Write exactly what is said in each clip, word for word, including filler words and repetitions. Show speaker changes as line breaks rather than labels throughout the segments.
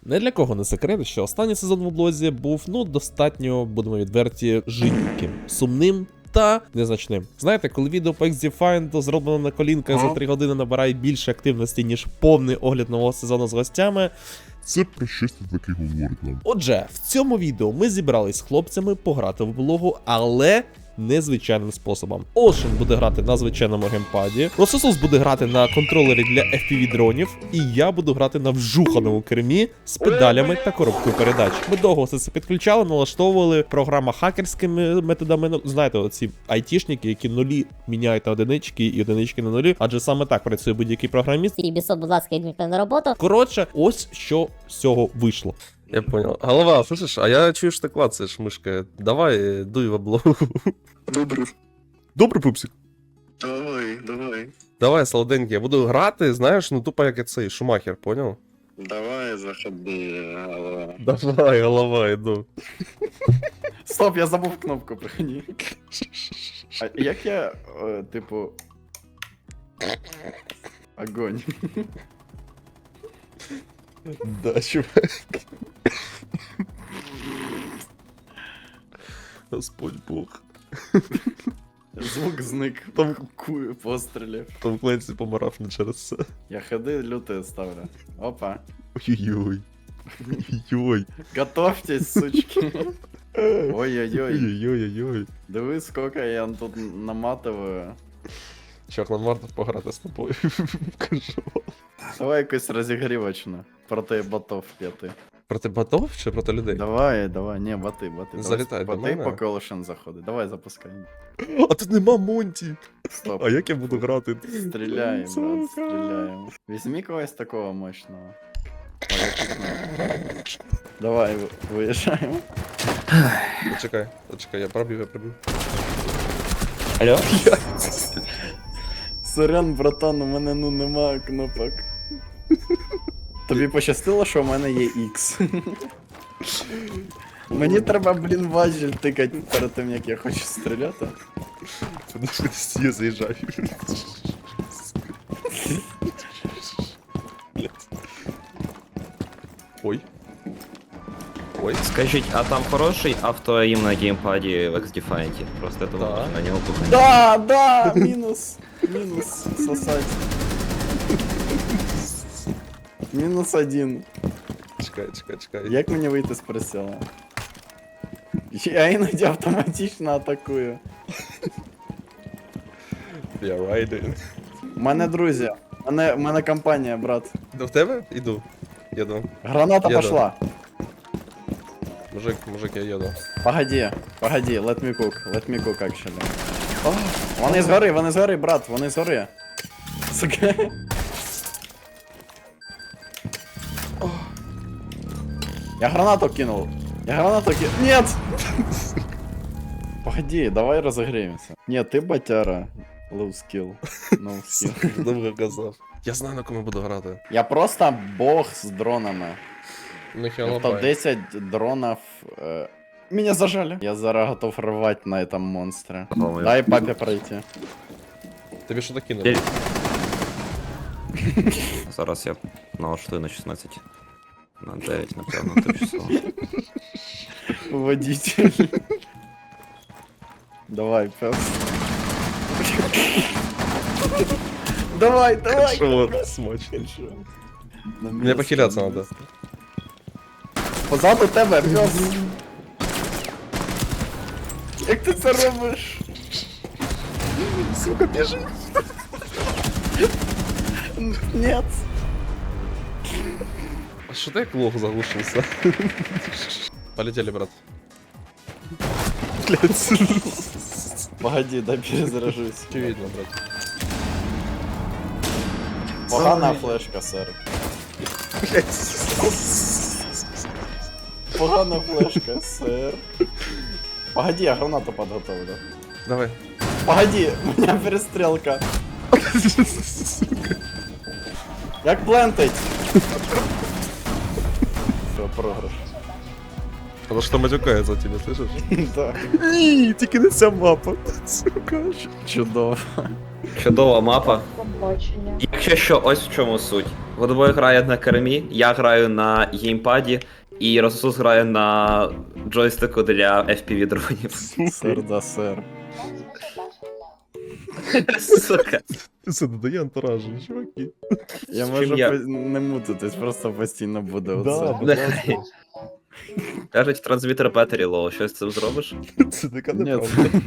Не для кого не секрет, що останній сезон в облозі був, ну, достатньо, будемо відверті, жидким, сумним та незначним. Знаєте, коли відео по ікс ді Find зроблено на колінках за три години набирає більше активності, ніж повний огляд нового сезону з гостями,
це про щось таке говорить нам.
Отже, в цьому відео ми зібрались з хлопцями пограти в облогу, але незвичайним способом. Ocean буде грати на звичайному геймпаді, Рососус буде грати на контролері для еф пі ві дронів, і я буду грати на вжуханому кермі з педалями та коробкою передач. Ми довго все це підключали, налаштовували програма хакерськими методами. Ну, знаєте, оці айтішники, які нулі міняють на одинички і одинички на нулі, адже саме так працює будь-який програміст.
І бісот, будь ласка, йдіть на роботу.
Коротше, ось що з цього вийшло.
Я понял. Голова, слышишь, а я чую, что ты клацаешь мышкой. Давай, дуй в облогу.
Добре,
Добрий пупсик.
давай, давай.
Давай, солоденький, я буду грати, знаєш, ну тупо як я цей Шумахер, понял?
Давай, заходи, голова.
Давай, голова, іду.
Стоп, я забув кнопку, прихні. А як я, е, типу. Огонь.
Да, чувак. Господь Бог.
Звук зник. Там кую пострілів.
Том Кленсі помирав не через це.
Я ходи люти ставлю. Опа.
Ой-ой-ой. Ой-ой.
Готовьтесь, сучки. Ой-ой-ой.
Ой-ой-ой.
Диви, сколько я тут наматываю.
Чувак, нам варто пограти з тобою. Кажу.
Давай якусь розігрівочну. Проти ботов п'яти.
Проти ботов чи проти людей?
Давай, давай, не, боти, боти.
Залітай до
боти,
мене.
поки Олешен заходить. Давай запускай.
А тут нема Монті.
Стоп.
А як я буду грати?
Стреляем, брат,
Сука.
стреляем. Возьми кого-то такого мощного. Ой, я пикнул. Давай, вы- выезжаем.
Почекай, почекай, я пробив, я пробив.
Алло?
Сорян, братан, у мене ну нема кнопок. Тобі пощастило, що у мене є X. Мені треба, блін, важіль тикати перед тим, як я хочу стріляти.
Подожди, я заїжджаю. Блядь. Ой. Ой.
Скажіть, а там хороший автоаїм на геймпаді в X-Defiant? Просто это
Да.
вот на нього кухня.
Да, да, мінус. Мінус сосать. Мінус один.
Чекай, чекай, чекай.
Як мені вийти з прицілу? Я іноді автоматично атакую.
Я райдер.
У мене друзі. У мене, у мене компанія, брат.
До в тебе? Іду. Їду.
Граната
Еду.
пошла.
Мужик, мужик, я їду.
Погоди, погоди, let me cook, let me cook actually. О, вони згори, вони згори, брат, вони згори. Сука. О. Я гранату кинул. Я гранату кинул. Нет! Погоди, давай разогреемся. Нет, ты батяра. Low skill. No skill.
Довго казав. Я знаю, на кому буду грати.
Я просто бог з дронами.
Ніхіла
топ десять дронов. Э, меня зажали. Я зараз готов рвать на этом монстре.
По-моему.
Дай папе пройти.
Тобі що таки кинули?
Зараз я налаштую на шістнадцять. На дев'ять, напевно, тимчасово.
Водитель. Давай, пес. Давай, давай.
Що смачно. Мені похиляться надо.
Позаду тебе, пес. Як ти це робиш? Сука, біжи. Нет.
А що ти як лох заглушився? Полетели, брат. Блядь.
Погоди, дай перезаряжусь.
Очевидно, брат.
Погана флешка, сэр. Погана флешка, сэр. Погоди, я гранату подготовлю.
Давай.
Погоди, у меня перестрелка. Як плентить? Все, програш.
Потому что матюкается тебе, слышишь?
Так.
Ні, тільки не ця мапа. Сука.
Чудово.
Чудова мапа. Якщо що, ось в чому суть. Водобой грає на кермі, я граю на геймпаді, і Рососус грає на джойстику для еф пі ві дронів.
Сир да сир.
Сука.
Це додає антуражу, чуваки.
Я
З
можу
чим я?
по- не мутитись, просто постійно буде
Да,
оце.
будь ласка.
Кажуть, трансмітер бетері лоу, щось з цим зробиш?
Це така
Ні.
неправда.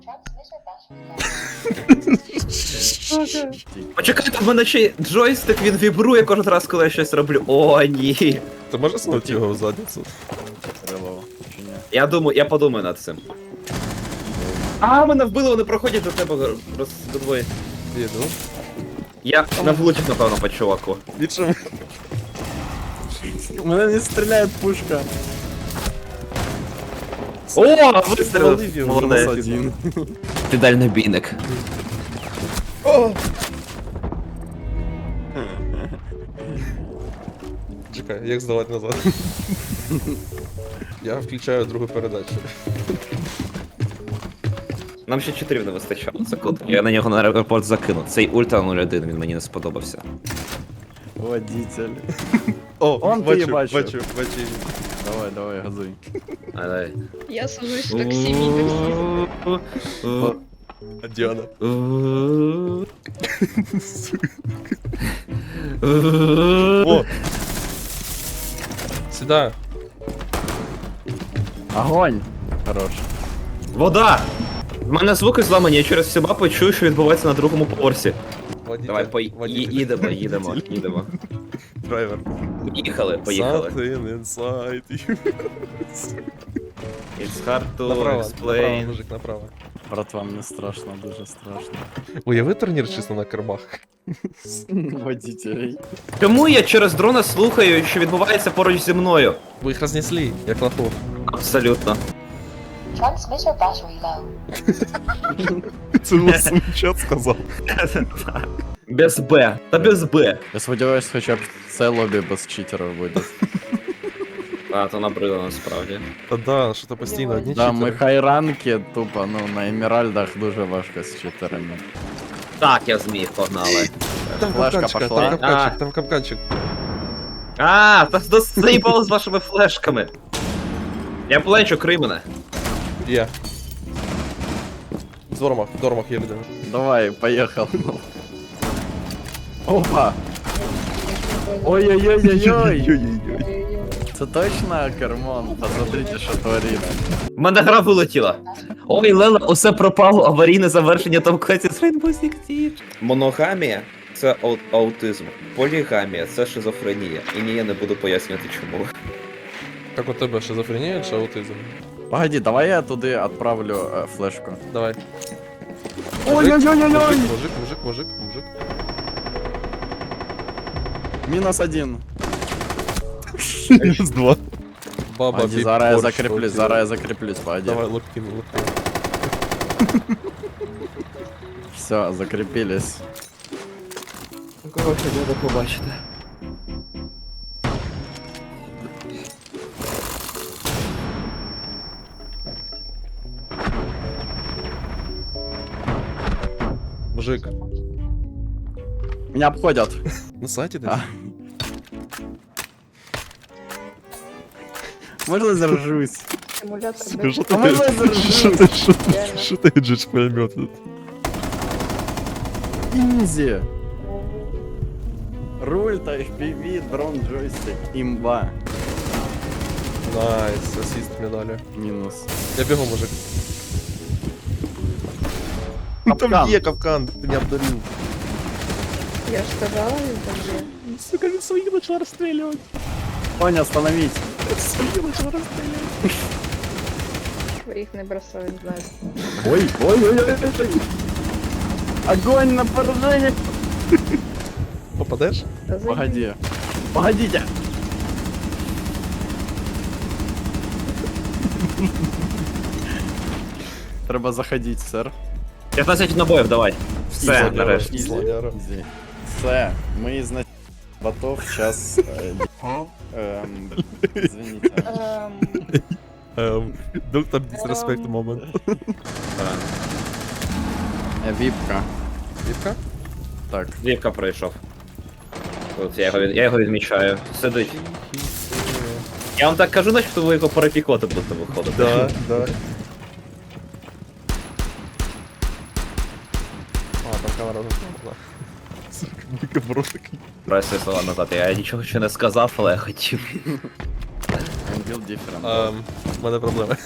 Почекайте, в мене ще й джойстик, він вібрує кожен раз, коли я щось роблю. О, ні.
Ти можеш снути його в задницю?
Крилово, чи ні?
Я думаю, я подумаю над цим. А, мене вбили, вони проходять до тебе роздвоє.
Їду.
Я не влучив, напевно, по чуваку.
Нічого.
У мене не стріляє пушка.
О,
Спалив
вистрілив!
його,
Мінус
Молодець.
один.
Ти дальнобійник.
Чекай, як здавати назад? Я включаю другу передачу.
Нам ще чотирів не вистачало, це круто. Я на нього на аеропорт закину. Цей ультра нуль один, він мені не сподобався.
Водитель.
О,
Он ти
бачу,
бачив.
бачу, бачу.
Давай, давай, газуй.
Але...
Я сажусь в таксі, мій таксі.
А Діана? О! Сюда.
Огонь! Хорош.
Вода! В мене звуки зламані, я через всю мапу чую, що відбувається на другому поверсі.
Водитель.
Давай, по... ї- їдемо, їдемо, їдемо.
Драйвер.
Їхали, поїхали.
Something inside you.
It's hard to
Направо, направо,
explain.
мужик, направо.
Брат, вам не страшно, дуже страшно.
Уяви турнір чисто на кермах.
Водителей.
Чому я через дрона слухаю, що відбувається поруч зі мною?
Ви їх рознесли, як лохов.
Абсолютно.
Transmitter battery low.
Це власне чат сказав.
Без Б. Та без Б.
Я сподіваюсь, хоча б це лобі без читерів буде.
А, то набрило насправді.
Та да, що то постійно одні
Да, ми
читери.
хайранки, тупо, ну, на еміральдах дуже важко з читерами.
Так, я зміг, погнали.
Там
Флешка
капканчик,
пошла.
там капканчик,
А.
там капканчик.
А, та до заїбало з вашими флешками. Я плечу, крий мене.
Є. В Дормах, в Дормах є людина.
Давай, поехал. Опа! Ой-ой-ой-ой-ой! Це точно Кермон? Посмотрите, що творить.
В мене гра вилетіла. Ой, Лела, усе пропало, аварійне завершення Том Кленсі з Rainbow Six Siege. Моногамія – це ау- аутизм. Полігамія – це шизофренія. І ні, я не буду пояснювати чому.
Як у тебе шизофренія чи аутизм?
Погоди, давай я туди відправлю е, флешку.
Давай.
Ой-ой-ой-ой-ой!
Мужик, мужик, мужик, мужик.
Мінус один.
Мінус два. Баба,
Погоди,
віп,
зараз я
борщ,
закріплюсь,
аутизм.
зараз я закріплюсь, погоди.
Давай, локтин, локтин.
Все, закріпились.
Кого хотіли побачити?
Мужик.
Меня обходят.
На сайті десь?
А. Можно заржусь?
Симулятор
Сука,
без-
що
А
ти
можна я
що
заржусь?
ти що ти
Реально.
що ти джидж пулемет?
Инзи. Руль-то эф пи ви, дрон, джойстик, имба.
Найс, асіст медалі.
Минус.
Я бігу, мужик.
Капкан.
Там є капкан, ти не обдарив.
Я ж сказала, він там є.
Сука, він своїх почала розстрілювати.
Тоня, остановись.
Своїх почала розстрілювати.
Своїх не бросаю, не знаю.
Ой, ой, ой, ой, ой. Огонь на поражение.
Попадеш?
Та заїб-
Погоди. Погодите. Треба заходить, сэр.
п'ятнадцять набоїв, давай. Все,
Слоняра,
нарешті.
слоняра.
Изи. Все, мы из ботов сейчас... Эм, извините.
Ем,
Ем, доктор дисреспект момент.
Э, Випка.
Вівка?
Так,
Вівка пройшов. От я його, від- я його відмічаю. Сидить. Я вам так кажу, начебто ви його перепікоти будете виходити.
Да, да. А, там камера розглянула. Сука, бро такий.
Брай свої слова назад. Я нічого ще не сказав, але я хотів.
Build different.
Ем, в мене проблеми.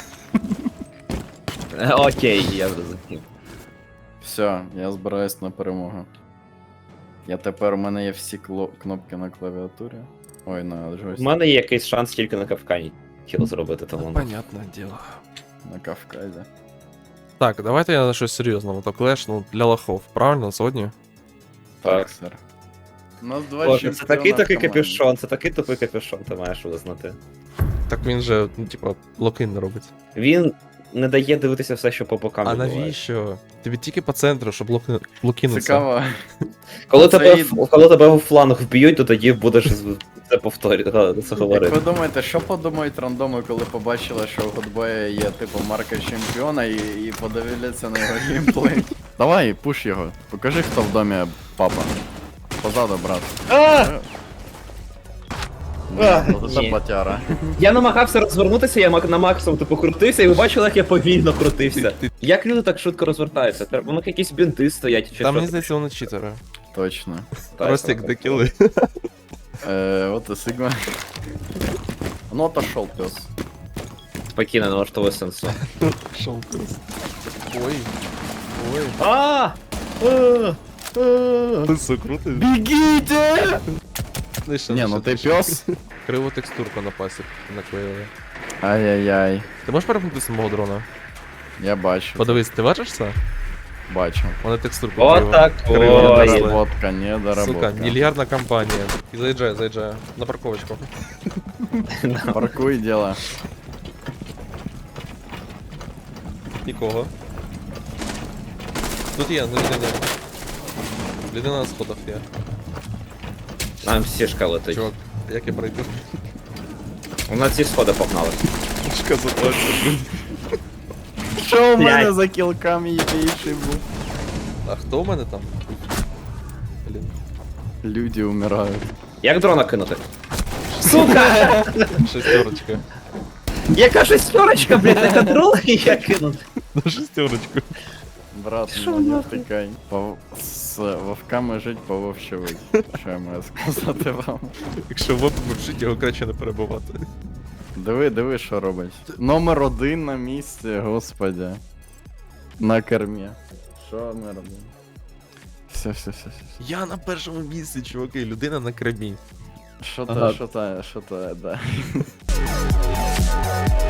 Е, Окей, я зрозумів.
Все, я збираюсь на перемогу. Я тепер у мене є всі кло- кнопки на клавіатурі. Ой, на
У
джойстику.
мене є якийсь шанс тільки на Кавкані тіло зробити, тому.
Понятне діло.
На Кавказі.
Так, давайте я на щось серйозне. То клеш, ну, для лохов. Правильно, сьогодні?
Так.
сер. У нас два
Боже, це
чемпіона
такий
в
такий
команді.
капюшон, це такий тупий капюшон, ти маєш визнати.
Так він же, ну, типа, локин не робить.
Він не дає дивитися все, що по бокам
А
відбувається.
навіщо? Тобі тільки по центру, щоб локи... локинутися.
Цікаво.
Коли
Це
тебе,
і-
в- коли тебе в фланг вб'ють, то тоді будеш з- це повторювати, це
Як ви
говорити.
думаєте, що подумають рандоми, коли побачили, що у Годбоя є типу марка чемпіона і, і подивляться на його геймплей? Давай, пуш його. Покажи, хто в домі папа. Позаду, брат.
А!
Ну, Це
Ні.
батяра.
Я намагався розвернутися, я мак- на максимум типу крутився, і ви бачили, як я повільно крутився. Як люди так швидко розвертаються? Треба- У них якісь бінти стоять чи
Там,
що?
мені здається, вони читери.
Точно.
Так,
Ростик,
так.
де кіли.
Е, от і Сигма. Ну, отошел пес.
Спокійно, не влаштовує сенсу.
Шов просто. Ой. Ой.
А! А! А!
Ти все крутиш?
Бегите!
Нижче,
Не,
нижче,
ну ти
нижче.
пес.
Криву текстурку на пасі наклеїли.
Ай-яй-яй.
Ти можеш перемкнути з мого дрона?
Я бачу.
Подивись, ти бачиш це?
Бачу.
Вони текстурку
От
криво.
так,
криво
ой.
нанесли.
Недоработка, недоработка.
Сука, мільярдна компанія. І заїжджає, заїжджає. На парковочку.
Паркуй дело.
Нікого. Тут є, ну людина. Людина на сходах є.
Нам сішка летить.
Чувак, як я пройду?
У нас ці сходи погнали.
Пушка заточена.
Що у мене
Блядь.
за кілками єбейший був?
А хто у мене там? Блін.
Люди умирають.
Як дрона кинути? Сука!
Шестерочка.
Яка шестерочка, блядь, на контрол я кинути.
На шестерочку.
Брат, ну не втикай. По... З вовками жить, по вовче вить. Що я маю сказати вам?
Якщо в опит вчить, його краще не перебувати.
Диви, диви, що робить. Номер один на місці, господи. На кермі. Що ми робимо? Все, все, все, все.
Я на першому місці, чуваки, людина на кремі.
Що то,
Ага.
що то, що то, да.